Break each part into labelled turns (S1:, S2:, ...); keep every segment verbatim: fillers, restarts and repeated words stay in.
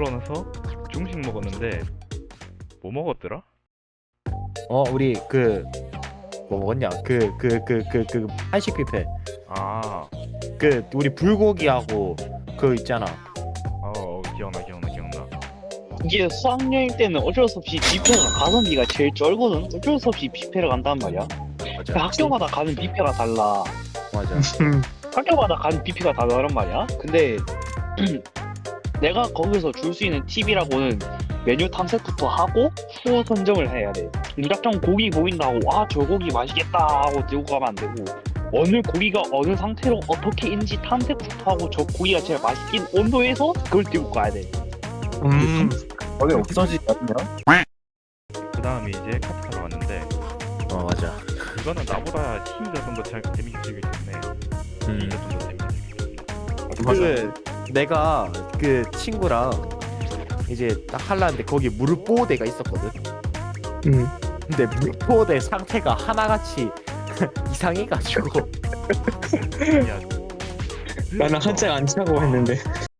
S1: 일어나서 중식 먹었는데 뭐 먹었더라?
S2: 어 우리 그 뭐 먹었냐 그 그 그 그 그 한식 뷔페
S1: 아,
S2: 그 우리 불고기하고 그 있잖아.
S1: 어, 어, 기억나, 기억나, 기억나.
S3: 이게 수학여행 때는 어쩔 수 없이 뷔페가 가성비가 제일 쩔거든. 어쩔 수 없이 뷔페를 간단 말이야.
S2: 맞아
S3: 그 학교마다 가는 뷔페가 달라.
S2: 맞아.
S3: 학교마다 가는 뷔페가 다르단 말이야. 근데 내가 거기서 줄 수 있는 팁이라고는 메뉴 탐색부터 하고 후어 선정을 해야 돼. 무작정 고기 보인다고 아 저 고기 맛있겠다 하고 들고 가면 안 되고 어느 고기가 어느 상태로 어떻게인지 탐색부터 하고 저 고기가 제일 맛있긴 온도에서 그걸 들고 가야 돼.
S4: 음. 어디 없어지 같냐?
S1: 그 다음에 이제 카트타로 왔는데
S2: 어 맞아.
S1: 이거는 나보다 시이가 좀 더 재밌게 즐겼겠네.
S2: 음.
S1: 시이가 좀 더 재밌게.
S2: 그 내가 그 친구랑 이제 딱 할라는데 거기 물보대가 있었거든.
S4: 음.
S2: 근데 물보대 상태가 하나같이 이상해가지고
S1: 야,
S4: 나는 한짝 안 차고 했는데.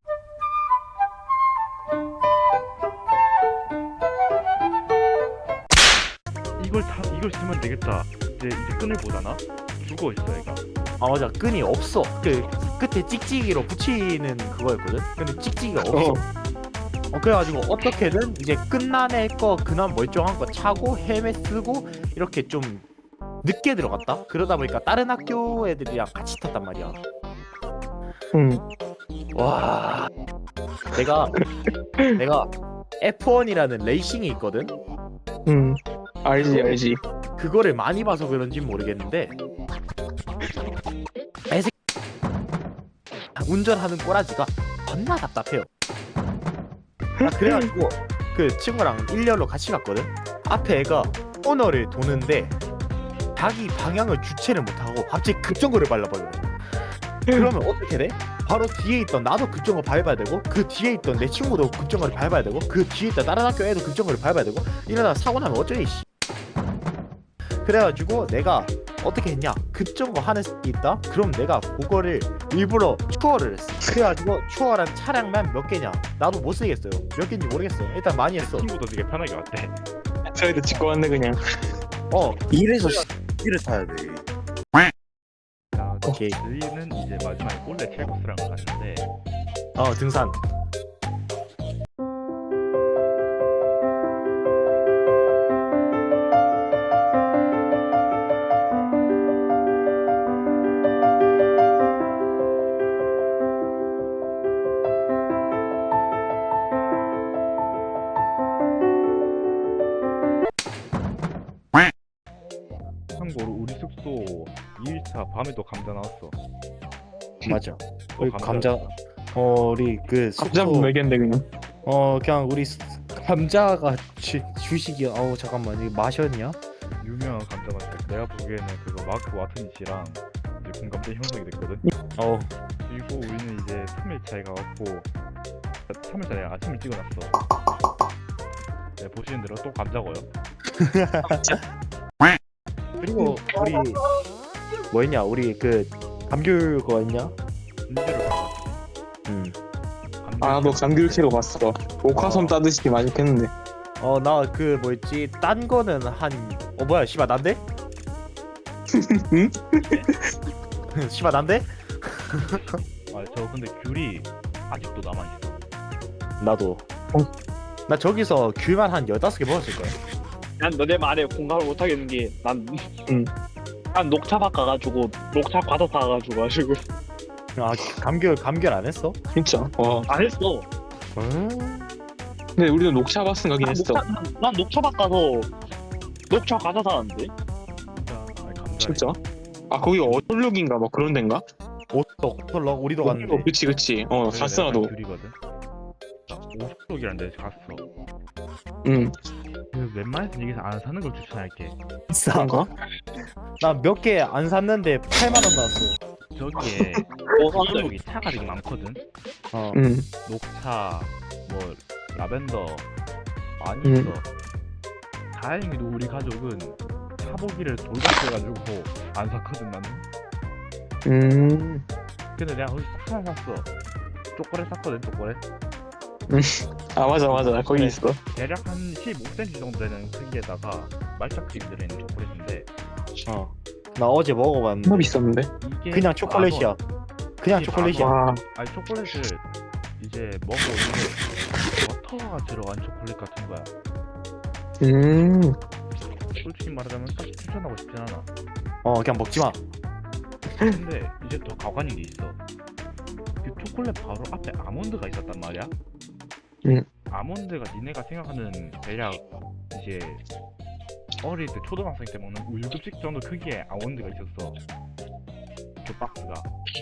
S1: 이걸 다 이걸 쓰면 되겠다. 이제 이제 끈을 보잖아. 죽어 있어 얘가.
S2: 아 맞아 끈이 없어. 그 끝에 찍찍이로 붙이는 그거였거든. 근데 찍찍이가 없어. 어, 그래가지고 어떻게든 이제 끝난애 거 그나마 멀쩡한 거 차고 헬멧 쓰고 이렇게 좀 늦게 들어갔다. 그러다 보니까 다른 학교 애들이랑 같이 탔단 말이야.
S4: 음.
S2: 와 내가 내가 에프원이라는 레이싱이 있거든.
S4: 음. 알지 알지.
S2: 그거를 많이 봐서 그런지 모르겠는데 애새 운전하는 꼬라지가 겁나 답답해요. 아, 그래가지고 그 친구랑 일렬로 같이 갔거든. 앞에 애가 코너를 도는데 자기 방향을 주체를 못하고 갑자기 급정거를 밟아버려. 그러면 어떻게 돼? 바로 뒤에 있던 나도 급정거 밟아야 되고 그 뒤에 있던 내 친구도 급정거를 밟아야 되고 그 뒤에 있던 다른 학교 애도 급정거를 밟아야 되고 이러다가 사고 나면 어쩌니 씨. 그래가지고 내가 어떻게 했냐, 급정거 하는 게 있다? 그럼 내가 그거를 일부러 추월을 했어. 그래가지고 추월한 차량만 몇 개냐, 나도 못 쓰겠어요. 몇 개인지 모르겠어. 일단 많이 했어.
S1: 친구도 되게 편하게 왔대.
S4: 저희도 찍고 왔네 그냥.
S2: 어
S5: 이래서 C를 타야 돼.
S1: 자,
S2: 오케이.
S1: 저희는 이제 마지막에 꼴레 켈코스랑 갔는데
S2: 어 등산.
S1: 참고로 우리 숙소 이 일차 밤에도 감자 나왔어.
S2: 맞아.
S1: 또
S2: 우리 감자. 어 우리 그
S4: 감자
S2: 숙소.
S4: 먹였는데 그냥.
S2: 어 그냥 우리 수- 감자가 주, 주식이야. 어우 잠깐만 이거 마셨냐?
S1: 유명한 감자 맛집. 내가 보기에는 그거 마크 와트니치랑 이제 공감대 형성이 됐거든.
S2: 어
S1: 그리고 우리는 이제 삼 일차에 가갖고 삼 일차에 아침을 찍어놨어. 네, 보시는 대로 또 감자고요.
S2: 그리고 우리 뭐였냐? 우리 그 감귤 그거 했냐?
S1: 군대를 가봤지.
S2: 음.
S4: 아 너 감귤 캐러 갔어. 옥화섬 따듯이 맛있겠는데.
S2: 어 나 그 뭐였지? 딴 거는 한 어 뭐야? 씨발 난데?
S4: 응?
S2: 씨발 난데?
S1: 아, 저 근데 귤이 아직도 남아있어.
S2: 나도.
S4: 어.
S2: 나 저기서 귤만 한 열다섯 개 먹었을 거야.
S3: 난 너네 말에 공감을 못 하겠는 게 난
S4: 응.
S3: 난 녹차밭 가가지고 녹차 과자 사가지고 가지고
S2: 아 감귤 감귤 안 했어?
S4: 진짜. 와.
S3: 안 했어.
S2: 음.
S4: 근데 우리도 녹차 바스 가긴
S3: 난
S4: 했어.
S3: 녹차, 난, 난 녹차밭 가서 녹차 과자 사왔는데.
S1: 감자, 아니 감자.
S4: 진짜? 아 거기 어tor룩인가 막 그런 데인가?
S2: 오떡 호털럭 우리도 갔는데.
S4: 어, 그치 그치. 어 갔어 나도.
S1: 귤이거든. 오십 쪽이란 데 갔어.
S4: 응.
S1: 그 웬만해서 여기서 안 사는 걸 추천할게.
S2: 비싸.
S4: 그런가?
S2: 나 몇 개 안 샀는데 팔만 원 나왔어.
S1: 저기에
S3: 뭐
S1: 여기 차가 되게 많거든.
S2: 어.
S4: 응.
S1: 녹차, 뭐 라벤더 많이
S4: 음.
S1: 있어. 다행히도 우리 가족은 차보기를 돌같이 해가지고 안 샀거든 나는.
S4: 음.
S1: 근데 내가 거기서 하나 샀어. 초콜릿 샀거든 초콜릿.
S4: 음. 아 맞아 맞아 거기
S1: 네.
S4: 있어.
S1: 대략 한 십오 센티미터 정도 되는 크기에다가 말차 크림 들어있는 초콜릿인데
S2: 어. 나 어제 먹어봤는데
S4: 정말 비쌌는데.
S1: 이게
S2: 그냥 초콜릿이야.
S1: 만
S2: 그냥
S1: 이게
S2: 초콜릿이야.
S1: 만 원.
S4: 와.
S1: 아니 초콜릿을 이제 먹어보는데 버터가 들어간 초콜릿 같은 거야.
S4: 음.
S1: 솔직히 말하자면 딱 추천하고 싶진 않아.
S2: 어 그냥 먹지 마.
S1: 근데 이제 더 가관인 게 있어. 그 초콜릿 바로 앞에 아몬드가 있었단 말이야.
S4: 음.
S1: 아몬드가 니네가 생각하는 대략 이제 어릴 때 초등학생 때 먹는 우유급식 정도 크기의 아몬드가 있었어. 그 박스가.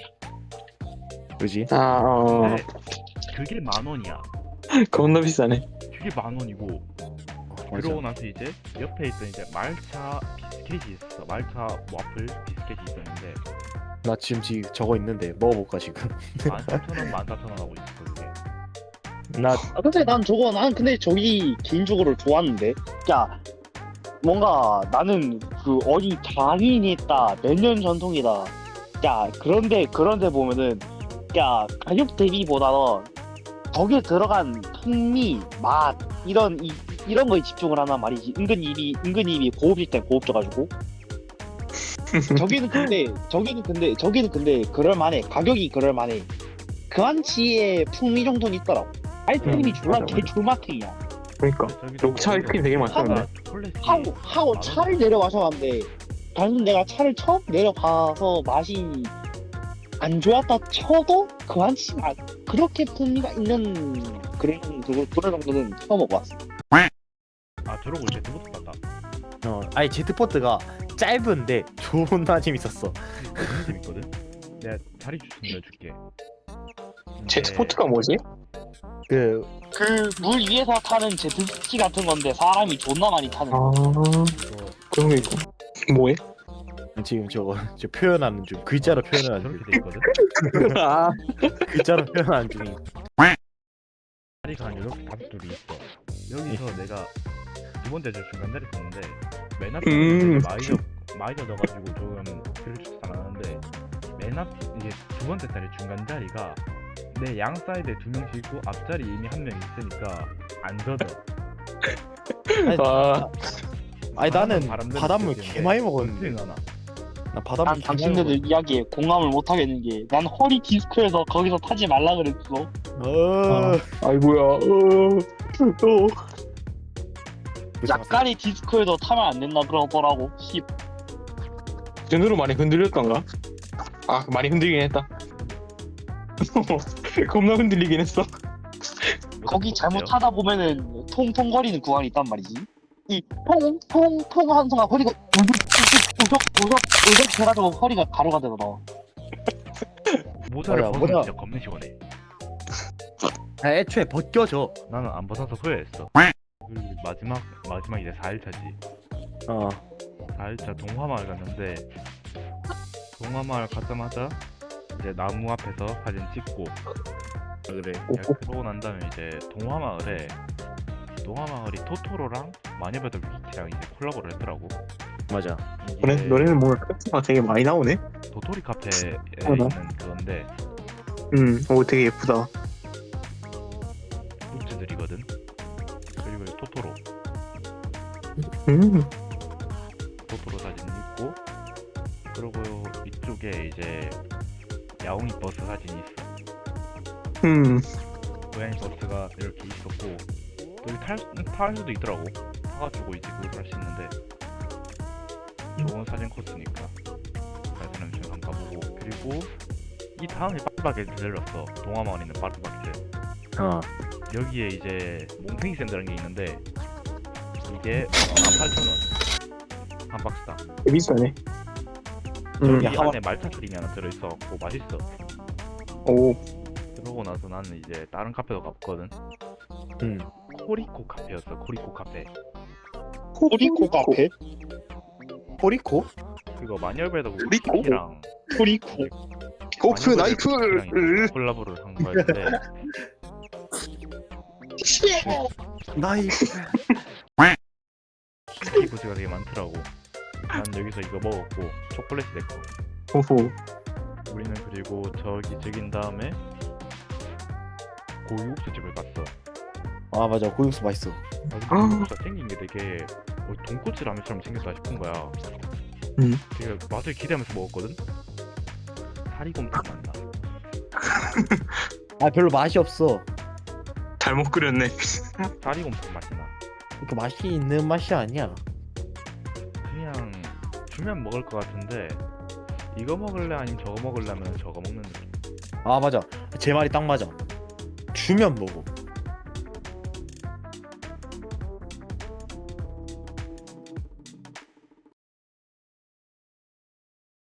S2: 그지?
S4: 아 어.
S1: 근데 그게 만 원이야.
S4: 겁나 비싸네.
S1: 그게 만 원이고.
S2: 맞아.
S1: 그러고 나서 이제 옆에 있던 이제 말차 비스켓이 있었어. 말차 와플 비스켓이 있었는데
S2: 나 지금 지 저거 있는데 먹어볼까 지금.
S1: 만 삼천 원, 만 사천 원 하고 있었어 그게.
S2: 나
S3: 아 근데 난 저거 난 근데 저기 개인적으로 좋았는데 야 뭔가 나는 그 어디 장인이 있다 몇 년 전통이다 야 그런데 그런데 보면은 야 가격 대비보다는 거기에 들어간 풍미 맛 이런 이, 이런 거에 집중을 하나 말이지 은근 입이 은근 입이 고급일 땐 고급져가지고 저기는 근데 저기는 근데 저기는 근데 그럴만해 가격이 그럴만해 그 한치의 풍미 정도는 있더라고 아이스크림이
S4: 음,
S3: 졸라
S4: 맞아,
S3: 개
S4: 맞아.
S3: 졸마탱이야
S4: 그러니까.
S1: 저기도
S4: 녹차 아이스크림 되게 많던데.
S1: 초콜릿이
S3: 하고 하고
S1: 만
S3: 차를 내려 마셔봤는데 단순 내가 차를 처음 내려봐서 맛이 안 좋았다 쳐도 그 한치가 그렇게 풍미가 있는 그런 그런 그런 정도는 처음 먹어봤어.
S1: 아 저러고 이제 두부도 봤다.
S2: 어 아니 제트포트가 짧은데 존나 재밌었어.
S1: 너무 재밌거든. 내가 자리 추천해줄게.
S4: 제트포트가 뭐지?
S2: 그
S3: 그 물 위에서 타는 제트스키 같은 건데 사람이 존나 많이 타는.
S4: 아 그런 게 있고. 뭐해?
S2: 지금 저거 저 표현하는 중 글자로 표현하는 중
S1: 저렇게 돼 있거든.
S4: 아.
S2: 글자로 표현하는 중이.
S1: 자리가 한 이렇게 다섯 줄이 있어. 여기서 내가 두 번째 줄 중간 자리 썼는데 맨 앞에
S4: 음.
S1: 마이저 마이저 넣어가지고 조금 글 추천 안 하는데 맨 앞 이게 두 번째 자리 중간 자리가 내 양 사이드에 두 명씩 있고 앞자리 이미 한 명 있으니까 안 젖어.
S4: 아.
S2: 아니 나는
S1: 바람대로
S2: 바닷물
S1: 느껴지는데
S2: 개 많이 먹었는데.
S1: 은근 많아.
S2: 나 바닷물
S3: 난
S2: 개 많이
S3: 당신네들 이야기에 공감을 못 하겠는 게 난 허리 디스크에서 거기서 타지 말라 그랬어.
S2: 먹었어. 어.
S4: 아이고야. 어. 어.
S3: 약간의 디스크에도 타면 안 된다 그러더라고. 씨.
S4: 그 정도로 많이 흔들렸던가? 아 많이 흔들긴 했다. 겁나 흔들리긴 했어.
S3: 거기 잘못 타다 보면은 통통거리는 구간이 있단 말이지. 이 통통통 하는 순간 허리가 우석우석우석 해가지고 허리가 가루가 되더라.
S1: 모자를
S2: 뭐야,
S1: 벗으면
S2: 뭐야.
S1: 진짜 겁나 시원해.
S2: 아, 애초에 벗겨져.
S1: 나는 안 벗어서 후회했어. 그리고 마지막 마지막 이제 사 일차지.
S2: 어.
S1: 사 일차 동화마을 갔는데 동화마을 가자마자 이제 나무 앞에서 사진 찍고 그래. 그러고 난 다음에 이제 동화마을에 동화마을이 토토로랑 마녀배들 위키랑 이제 콜라보를 했더라고.
S2: 맞아.
S1: 이게
S4: 그래? 너네는 뭔가 카트가 되게 많이 나오네?
S1: 도토리 카페에
S4: 어, 나?
S1: 있는 그건데
S4: 음, 오 되게 예쁘다.
S1: 굿즈들이거든. 그리고 이 토토로
S4: 음,
S1: 토토로 사진 있고 그리고 이쪽에 이제 야옹이 버스 사진이 있어.
S4: 음,
S1: 고양이 버스가 이렇게 있었고 여기 탈, 탈 수도 있더라고. 타가지고 이제 그걸 할 수 있는데 좋은 사진 코스니까 사진은 좀 한번 가보고 그리고 이 다음에 파리바게트 들렸어. 동화마을에 있는 파리바게트.
S2: 어.
S1: 여기에 이제 몽팽이 샌드라는 게 있는데 이게 만 팔천 원 한 박스당.
S4: 되게 비싸네. 음,
S1: 여기
S2: 야,
S1: 안에 말차 크림이 하나 들어있어갖고 맛있어.
S4: 오,
S1: 그러고 나서 나는 이제 다른 카페도 가봤거든.
S2: 음.
S1: 코리코 카페였어. 코리코 카페.
S3: 코리코 카페?
S2: 호리코?
S1: 그거 마녀배드
S4: 코리코?
S1: 위키랑
S3: 코리코.
S4: 고프 나이프.
S1: 콜라보를 한 거였는데
S2: 나이프.
S1: 키보드가 되게 많더라고. 난 여기서 이거 먹었고 초콜릿이 됐고
S4: 오호.
S1: 우리는 그리고 저기 즐긴 다음에 고유국수 집을 갔어.
S2: 아 맞아 고육수 맛있어.
S1: 아, 근데
S4: 아.
S1: 고기가 생긴 게 되게 어, 돈코츠 라면처럼 생겼다 싶은 거야.
S4: 음.
S1: 되게 맛을 기대하면서 먹었거든. 사리곰탕 맛나.
S2: 아 별로 맛이 없어.
S4: 잘못 끓였네.
S1: 사리곰탕 맛이 나.
S2: 그러니까 맛이 있는 맛이 아니야.
S1: 그냥 주면 먹을 것 같은데 이거 먹을래 아니면 저거 먹을래 하면 저거 먹는 느낌.
S2: 아 맞아 제 말이 딱 맞아. 주면 먹어.